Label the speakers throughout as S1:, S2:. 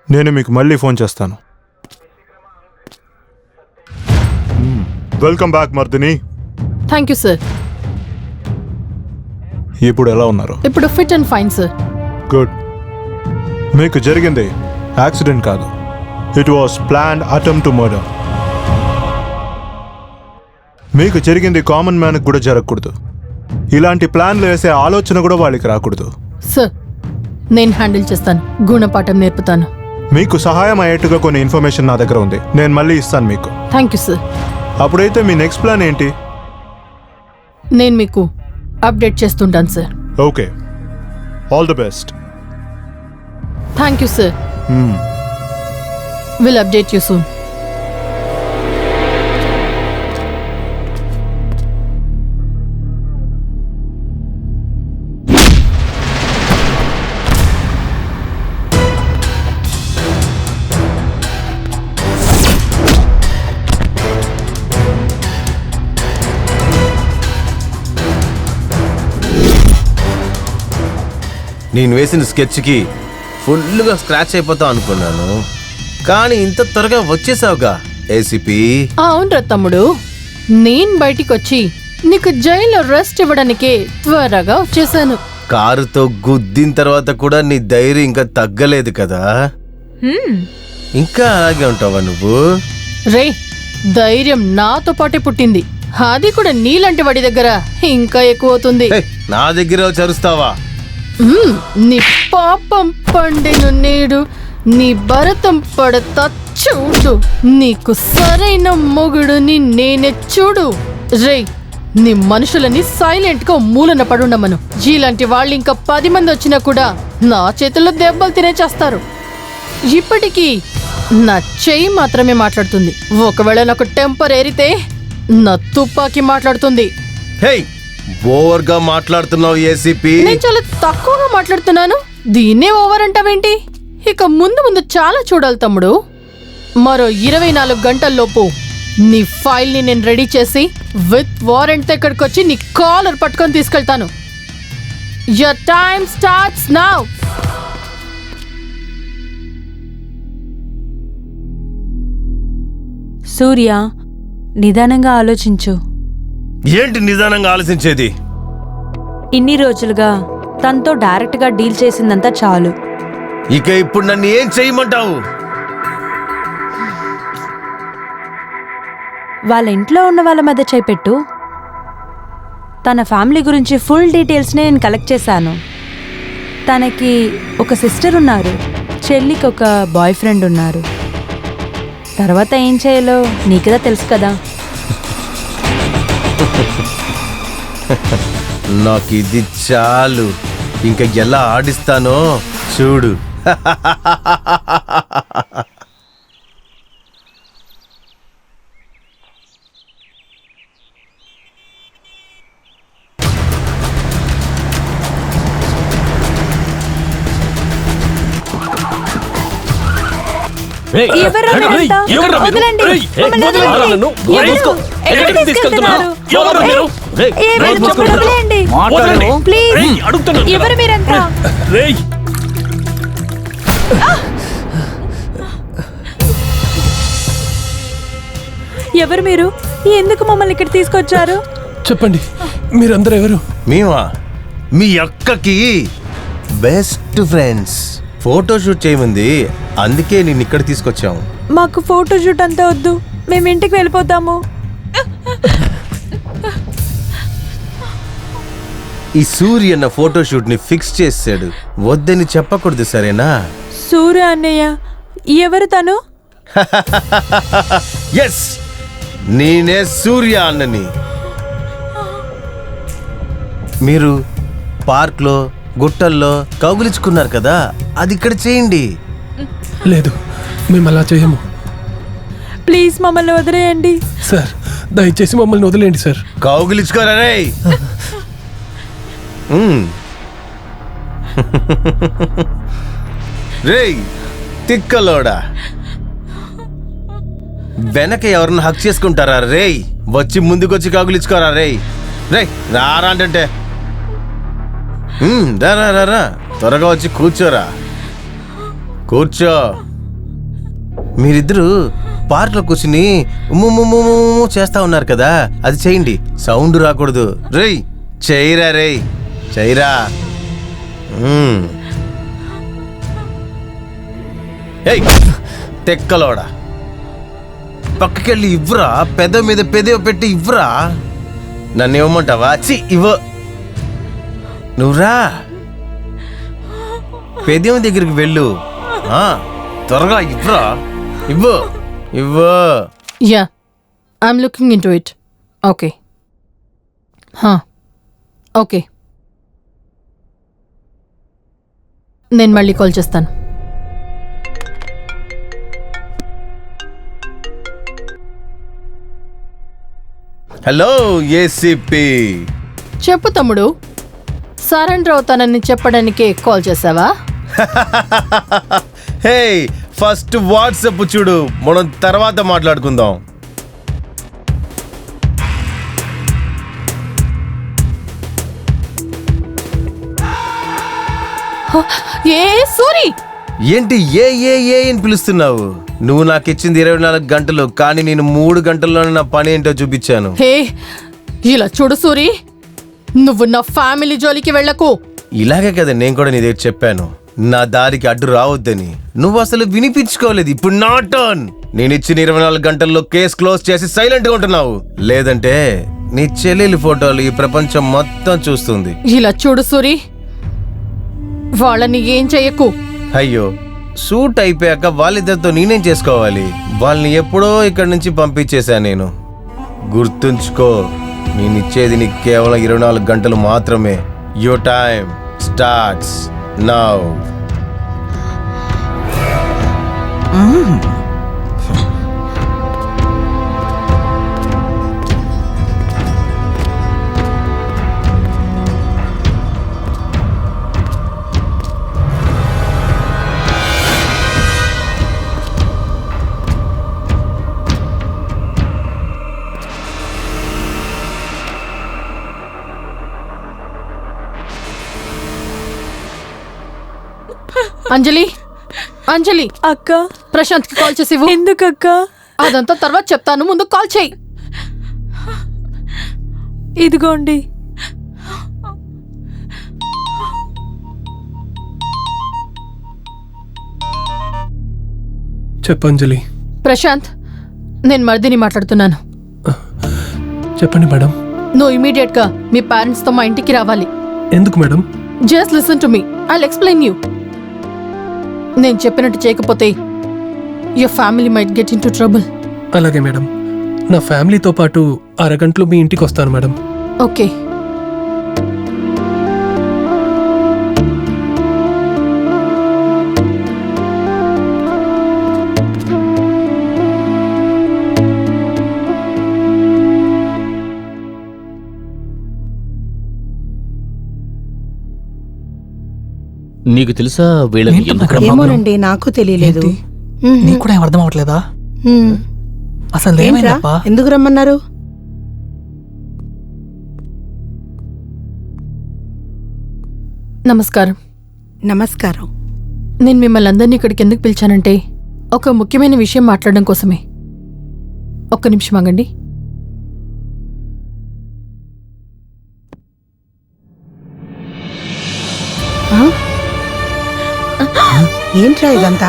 S1: నేను మీకు మళ్ళీ ఫోన్ చేస్తాను. Welcome back Mardini.
S2: Thank you sir.
S1: ఇప్పుడు ఎలా ఉన్నారు?
S2: ఇప్పుడు fit and fine sir.
S1: Good. మీకు జరిగింది యాక్సిడెంట్ కాదు, it was planned attempt to murder. మీకు జరిగింది కామన్ మ్యాన్కి కూడా జరగకూడదు. ఇలాంటి ప్లాన్లు వేసే ఆలోచన కూడా వాళ్ళకి రాకూడదు.
S2: సార్ నేను హ్యాండిల్ చేస్తాను, గుణపాఠం నేర్పుతాను.
S1: మీకు సహాయం అయ్యేట్టుగా కొన్ని ఇన్ఫర్మేషన్ నా దగ్గర ఉంది, నేను మళ్ళీ ఇస్తాను మీకు.
S2: Thank you sir.
S1: అప్పుడైతే మీ నెక్స్ట్ ప్లాన్ ఏంటి?
S2: నేను మీకు అప్డేట్ చేస్తుంటాను sir.
S1: Okay, all the best.
S2: Thank you sir. Will update you soon.
S3: నేను వేసిన స్కెచ్కి ఫుల్గా స్క్రాచ్ అయిపోతావు అనుకున్నాను, కానీ ఇంత త్వరగా వచ్చేసావుగా ఏసీపీ.
S2: అవునరా తమ్ముడు, నేను బయటికి వచ్చి నీకు జైల్లో రెస్ట్ ఇవ్వడానికే త్వరగా వచ్చేసాను.
S3: కారుతో గుద్దిన తర్వాత కూడా నీ ధైర్యం ఇంకా తగ్గలేదు కదా? ఇంకా అలాగే ఉంటావా నువ్వు?
S2: రే, ధైర్యం నాతో పాటే పుట్టింది, అది కూడా నీలాంటి వాడి దగ్గర ఇంకా ఎక్కువ అవుతుంది.
S3: నా దగ్గర చరుస్తావా?
S2: నీ పాపం పండిను నేడు నీ భరతం పడతా చూడు, నీకు సరైన మొగుడుని నేనే చూడు. రే, నీ మనుషులని సైలెంట్ గా మూలన పడుండమను. ఇలాంటి వాళ్ళు ఇంకా 10 మంది వచ్చినా కూడా నా చేతుల్లో దెబ్బలు తినేచేస్తారు. ఇప్పటికీ నా చెయ్యి మాత్రమే మాట్లాడుతుంది, ఒకవేళ నాకు టెంపర్ ఏరితే నా తుపాకీ మాట్లాడుతుంది.
S3: ఓవర్ గా మాట్లాడుతున్నావు ఏసీపీ.
S2: నేను చాలా తక్కువగా మాట్లాడుతున్నాను, దీన్నే ఓవర్ అంటావేంటి? ఇక ముందు ముందు చాలా చూడాలి తమ్ముడు. మరో 24 గంటల్లోపు నీ ఫైల్ ని నేను రెడీ చేసి విత్ వారెంట్ తో ఇక్కడికి వచ్చి నీ కాలర్ పట్టుకొని తీసుకెళ్తాను. Your time starts now.
S4: Surya, నిదానంగా ఆలోచించు.
S3: ఏంటి నిదానంగా ఆలోచించేది?
S4: ఇన్ని రోజులుగా తనతో డైరెక్ట్ గా డీల్ చేసిందంతా చాలు.
S3: ఇక ఇప్పుడు నన్ను ఏం చేయమంటావు?
S4: వాళ్ళ ఇంట్లో ఉన్న వాళ్ళ మధ్య చేపెట్టు. తన ఫ్యామిలీ గురించి ఫుల్ డీటెయిల్స్ని నేను కలెక్ట్ చేశాను. తనకి ఒక సిస్టర్ ఉన్నారు, చెల్లికి ఒక బాయ్ ఫ్రెండ్ ఉన్నారు. తర్వాత ఏం చేయాలో నీకుదా తెలుసు కదా.
S3: నాకు ఇది చాలు, ఇంకా ఎలా ఆడిస్తానో చూడు.
S4: ఎవరు మీరంతా? ఎవరు మీరు? ఎందుకు మమ్మల్ని ఇక్కడ తీసుకొచ్చారు?
S5: చెప్పండి, మీరందరూ ఎవరు?
S3: మేమా మీ అక్కకి బెస్ట్ ఫ్రెండ్స్. ఫోటో షూట్ చేయమంది, అందుకే నేను ఇక్కడ తీసుకొచ్చాము.
S4: మాకు ఫోటో షూట్ అంతా వద్దు, మేము ఇంటికి వెళ్ళిపోతాము.
S3: ఈ సూర్య అన్న ఫోటో షూట్ ని ఫిక్స్ చేసాడు, వద్దని చెప్పకూడదు సరేనా?
S4: సూర్య అన్నయ్య ఎవరు తను?
S3: ఎస్, నేనే సూర్య అన్నని. మీరు పార్క్లో గుట్టల్లో కౌగిలించుకున్నారు కదా, అది ఇక్కడ చేయండి.
S5: లేదు, మేము అలా చేయము.
S4: ప్లీజ్ మమ్మల్ని వదిలేయండి
S5: సార్, దయచేసి మమ్మల్ని వదిలేయండి సార్.
S3: కౌగిలించుకోరా రే. రేయ్ తిక్కలోడా, వెనక ఎవరిని హక్ చేసుకుంటారా రేయ్? వచ్చి ముందుకొచ్చి కౌగిలించుకోరా రేయ్. రే రారా అంటే రా త్వరగా వచ్చి కూర్చోరా. కూర్చో. మీరిద్దరూ పార్క్లో కూర్చుని ఉమ్ము చేస్తా ఉన్నారు కదా, అది చేయండి. సౌండ్ రాకూడదు. రేయ్ చేయరా, రేయ్ చేయరా. ఏయ్ తెక్కలోడా, పక్కకెళ్ళి ఇవ్వరా. పెద్ద మీద పెదవి పెట్టి ఇవ్వరా. నన్ను ఇవ్వమంటావా? ఇవ్వ. నువ్వురా, పెదవి దగ్గరికి వెళ్ళు. త్వరగా ఇవ్వరా. ఇవ్వు ఇవ్వు.
S2: Yeah, I'm looking into it. Okay okay, నేను మళ్ళీ కాల్ చేస్తాను.
S3: Hello ACP.
S2: చెప్పు తమ్ముడు, సరెండర్ అవుతానని చెప్పడానికే కాల్ చేసావా?
S3: హే, ఫస్ట్ వాట్సాప్ చూడు, మనం తర్వాత మాట్లాడుకుందాం.
S2: ఏ సూరి,
S3: ఏంటి ఏ ఏ ఏ అని పిలుస్తున్నావు? నువ్వు నాకు ఇచ్చింది 24 గంటలు, కానీ నేను 3 గంటల్లోనే నా పని ఏంటో చూపించాను.
S2: హే ఇలా చూడు సూరి, నువ్వు నా ఫ్యామిలీ జోలికి వెళ్ళకు.
S3: ఇలాగే కదా నేను కూడా నీ దగ్గర చెప్పాను, నా దారికి అడ్డు రావద్దని. నువ్వు అసలు వినిపించుకోలేదు. ఇప్పుడు నా టర్న్. నేను ఇచ్చిన 24 గంటల్లో కేసు క్లోజ్ చేసి సైలెంట్ గా ఉంటున్నావు. లేదంటే నీ చెల్లెలి ఫోటోలు ఈ ప్రపంచం మొత్తం చూస్తుంది.
S2: ఇలా చూడు సూరి, వాళ్ళని ఏం చెయ్యకు.
S3: అయ్యో, షూట్ అయిపోయాక వాళ్ళిద్దరితో నేనేం చేసుకోవాలి? వాళ్ళని ఎప్పుడో ఇక్కడి నుంచి పంపించేశా నేను. గుర్తుంచుకో, నేను ఇచ్చేది నీకు కేవలం 24 గంటలు మాత్రమే. Your time starts now.
S2: Anjali, Anjali,
S4: అక్క
S2: ప్రశాంత్ కి కాల్ చేసి
S4: ఎందుకక్క?
S2: అదంతా తర్వాత చెప్తాను, ముందు కాల్ చేయి.
S4: ఇదిగోండి.
S5: చెప్పంజలి.
S2: ప్రశాంత్, నేను మరిదిని మాట్లాడుతున్నాను.
S5: చెప్పండి మేడం.
S2: నువ్వు ఇమీడియట్ గా మీ పేరెంట్స్ తో మా ఇంటికి రావాలి.
S5: ఎందుకు madam?
S2: Just listen to me, I'll explain you. నేను చెప్పినట్టు చేయకపోతే your family might get into trouble.
S5: అలాగే మేడం, నా ఫ్యామిలీతో పాటు అరగంటలో మీ ఇంటికి వస్తాను మేడం.
S2: ఓకే.
S6: నీకు తెలుసా వీళ్ళకి ఎందుకు
S7: ఏమోనండి, నాకు తెలియలేదు.
S8: నీకు కూడా ఏం అర్థం అవట్లేదా? అసలు ఏమైందప్పా?
S7: ఎందుకు రమ్మన్నారు?
S2: నమస్కారం.
S7: నమస్కారం.
S2: నేను మిమ్మల్ని అందరినీ ఇక్కడికి ఎందుకు పిలిచానంటే ఒక ముఖ్యమైన విషయం మాట్లాడడం కోసమే. ఒక్క నిమిషం ఆగండి.
S7: ఏంట్రా ఇదంతా?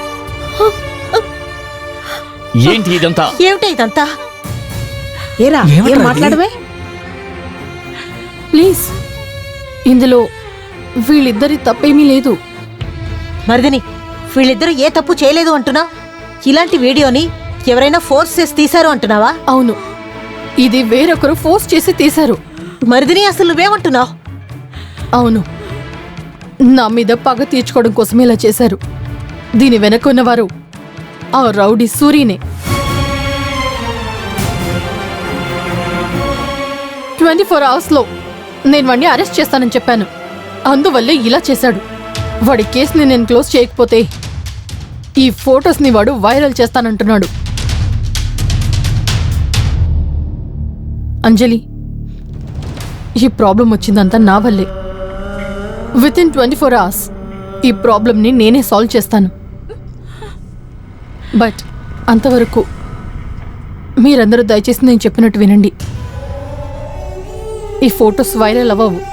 S6: ఏంటి ఇదంతా?
S7: ఏమిటా ఇదంతా? ఏరా,
S8: ఏమిట్రా
S7: ఏం
S8: ఇది?
S7: మాట్లాడవే?
S2: ప్లీజ్, ఇందులో వీళ్ళిద్దరి తప్పేమీ లేదు.
S9: మరిదిని, వీళ్ళిద్దరూ ఏ తప్పు చేయలేదు అంటున్నా? ఇలాంటి వీడియోని ఎవరైనా ఫోర్స్ చేసి తీశారు అంటున్నావా?
S2: అవును, ఇది వేరొకరు ఫోర్స్ చేసి తీశారు.
S9: మరిదిని, అసలు నువ్వేమంటున్నావు?
S2: అవును, నా మీద పగ తీర్చుకోవడం కోసమే ఇలా చేశారు. దీని వెనక ఉన్నవారు ఆ రౌడీ సూరీనే. 24 అవర్స్లో నేను వాడిని అరెస్ట్ చేస్తానని చెప్పాను. అందువల్లే ఇలా చేశాడు. వాడి కేసుని నేను క్లోజ్ చేయకపోతే ఈ ఫొటోస్ని వాడు వైరల్ చేస్తానంటున్నాడు. అంజలి, ఈ ప్రాబ్లం వచ్చిందంతా నా వల్లే. విత్ ఇన్ 24 అవర్స్ ఈ ప్రాబ్లంని నేనే సాల్వ్ చేస్తాను. బట్ అంతవరకు మీరందరూ దయచేసి నేను చెప్పినట్టు వినండి. ఈ ఫొటోస్ వైరల్ అవ్వవు.